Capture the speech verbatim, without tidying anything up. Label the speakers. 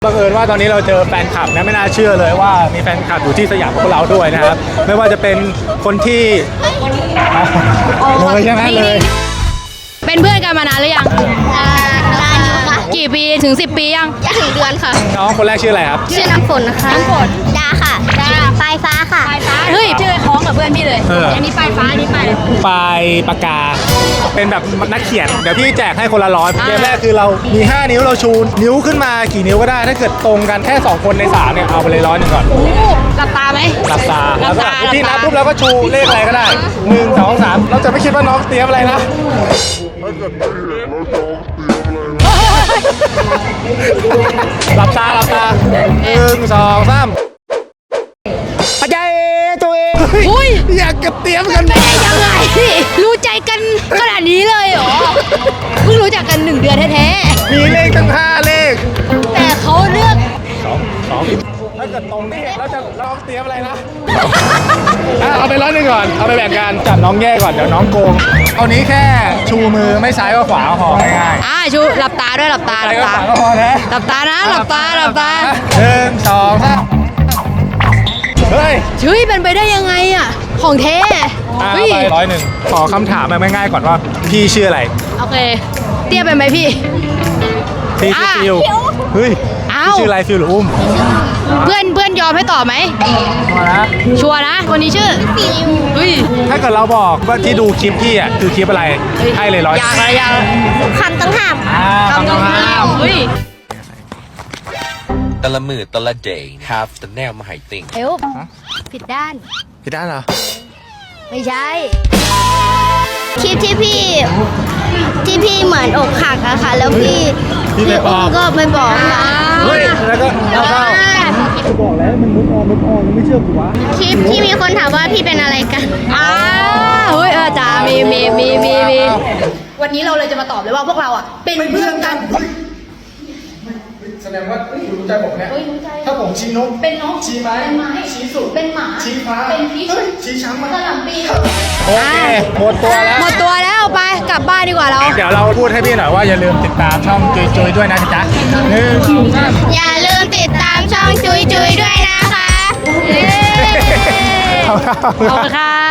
Speaker 1: บังเอิญว่าตอนนี้เราเจอแฟนคลับนะไม่น่าเชื่อเลยว่ามีแฟนคลับอยู่ที่สยามของเราด้วยนะครับไม่ว่าจะเป็นคนที่เลยใช่ไหมเลย
Speaker 2: เป็นเพื่อนกันมานานหรือยัง
Speaker 3: นานอยู่ค่ะ
Speaker 2: กี่ปีถึงสิบปียัง
Speaker 3: จะถึงเดือนค่ะ
Speaker 1: น้องคนแรกชื่ออะไรครับ
Speaker 3: ชื่อน้ำฝนนะคะน้ำฝนดาค่ะดาปลายฟ้าค่ะปลายฟ้า
Speaker 2: เฮ้ยชื่อคล้องกับเพื่อนพี่เลย
Speaker 1: เอออั
Speaker 2: อันนี้ปลายฟ้าอันนี้ปลาย
Speaker 1: ปลายปากกาเป็นแบบนักเขียนเดี๋ยวพี่แจกให้คนละร้อย
Speaker 2: อ่า
Speaker 1: เกมแรกคือเรามี ห้า นิ้วเราชูนิ้วขึ้นมากี่นิ้วก็ได้ถ้าเกิดตรงกันแค่สองคนในสามเนี่ยเอาไปเลยร้อยหนึ่งก่อน
Speaker 2: โอ้หลับตาไหม
Speaker 1: หลับตา
Speaker 2: หลั
Speaker 1: แล้ว
Speaker 2: บ
Speaker 1: ก็
Speaker 2: ตา
Speaker 1: พี่นับ
Speaker 2: หลับตา
Speaker 1: ปุ๊บแล้วก็ชูเลขอะไรก็ได้หนึ่งสองสามเราจะไม่คิดว่าน้องเตรียมอะไรนะหลับตาหลับตาหนึ่งสองสามปัจจัยตัวเอง
Speaker 2: อุ้ย
Speaker 1: อยากกับเตรียมกัน
Speaker 2: ได้ยังไงรู้ใจกันขนาดนี้เลยเหรอเพิ่งรู้จักกันหนึ่งเดือนแท้
Speaker 1: มีเลขตั้งห้าเลข
Speaker 2: ๆแต่เขาเลือก
Speaker 1: สองสองถ้าเกิดตรงนี่เราจะเราเตรียมอะไรนะอ่ะเอาไปร้อยหนึ่งก่อนเอาไปแบ่งกันจับน้องแย่ก่อนเดี๋ยวน้องโกงเอานี้แค่ชูมือไม่ซ้ายก็ขวาพอง่าย
Speaker 2: อ่าชูหลับตาด้วยหลับตา
Speaker 1: ๆ
Speaker 2: ห
Speaker 1: อะไร
Speaker 2: ลับ
Speaker 1: ก็
Speaker 2: ตา
Speaker 1: ขวาก็พอนะ
Speaker 2: หลับตานะหลับตาหลับตา
Speaker 1: หนึ่งสองสามเฮ้ย
Speaker 2: เฮ้ยเป็นไปได้ยังไงอ่ะของแท้
Speaker 1: อ่ะ
Speaker 2: เฮ้ย
Speaker 1: ไปร้อยหนึ่งขอคำถามแบบง่ายๆก่อนว่าพี่ชื่ออะไร
Speaker 2: โอเคเตี้ยเป็นไหมพี่
Speaker 1: พี่ชื่อ
Speaker 2: อ่ะ
Speaker 1: ฟิวเฮ้ย
Speaker 2: อ้า
Speaker 1: พี่
Speaker 2: ว
Speaker 1: ชื่ออะไรฟิวหรืออุ้ม
Speaker 2: เพื่อนเพื่อนยอมให้ตอบไหม
Speaker 1: มานะ
Speaker 2: ชัวร์นะคนนี้ชื่อฟิวเฮ้ย
Speaker 1: ถ้าเกิดเราบอกว่าที่ดูคลิปพี่อ่ะคือคลิปอะไรให้เลยร้อย
Speaker 2: อยากอะไรอยาก
Speaker 3: คำต้องห้าม
Speaker 1: อ่าคำต้องห้าม
Speaker 2: เฮ้ย
Speaker 4: แต่ละมือแต่ละ day have the แนวมาให้ติ่ง
Speaker 2: เอวผิดด้าน
Speaker 1: พี่ด้านเหรอ
Speaker 2: ไม่ใช่
Speaker 3: คลิปที่พี่ที่พี่เหมือนอกหักอะค่ะ แล้วพี่
Speaker 1: พี่ไปบอก
Speaker 3: ก็ไปบอกค่ะ
Speaker 1: เฮ้ยแล้วก็แล้วก็บอกแล้วมันมุกออนมุกออนไม่เชื่อกูวะ
Speaker 3: คลิปที่มีคนถามว่าพี่เป็นอะไรกัน
Speaker 2: อ่าเฮ้ยเออจ้ามีมีมีมีมีวันนี้เราเลยจะมาตอบเลยว่าพวกเราอ่ะเป็นเพื่อนกัน
Speaker 1: แสดงว่าคุณรู้ใจผมเนี่ยถ้าผมชี้นก
Speaker 2: เป็นนก
Speaker 1: ชี้ไม้
Speaker 2: เป็นไม้
Speaker 1: ชี้สุด
Speaker 2: เป็นหมา
Speaker 1: ชี้ฟ้า
Speaker 2: เป็นพีช
Speaker 1: เฮ้ยชี้ช้างมัน
Speaker 2: กระหล่ำปี
Speaker 1: โอเคหมดตัวแล้ว
Speaker 2: หมดตัวแล้วไปกลับบ้านดีกว่าเรา
Speaker 1: เดี๋ยวเราพูดให้พี่หน่อยว่าอย่าลืมติดตามช่องจุยจุยด้วยนะจ๊ะหนึ่งสองสาม
Speaker 3: อย่าลืมติดตามช่องจุยจุยด้วยนะคะ
Speaker 2: เย้
Speaker 1: ขอบคุณ
Speaker 2: ขอบคุณค่ะ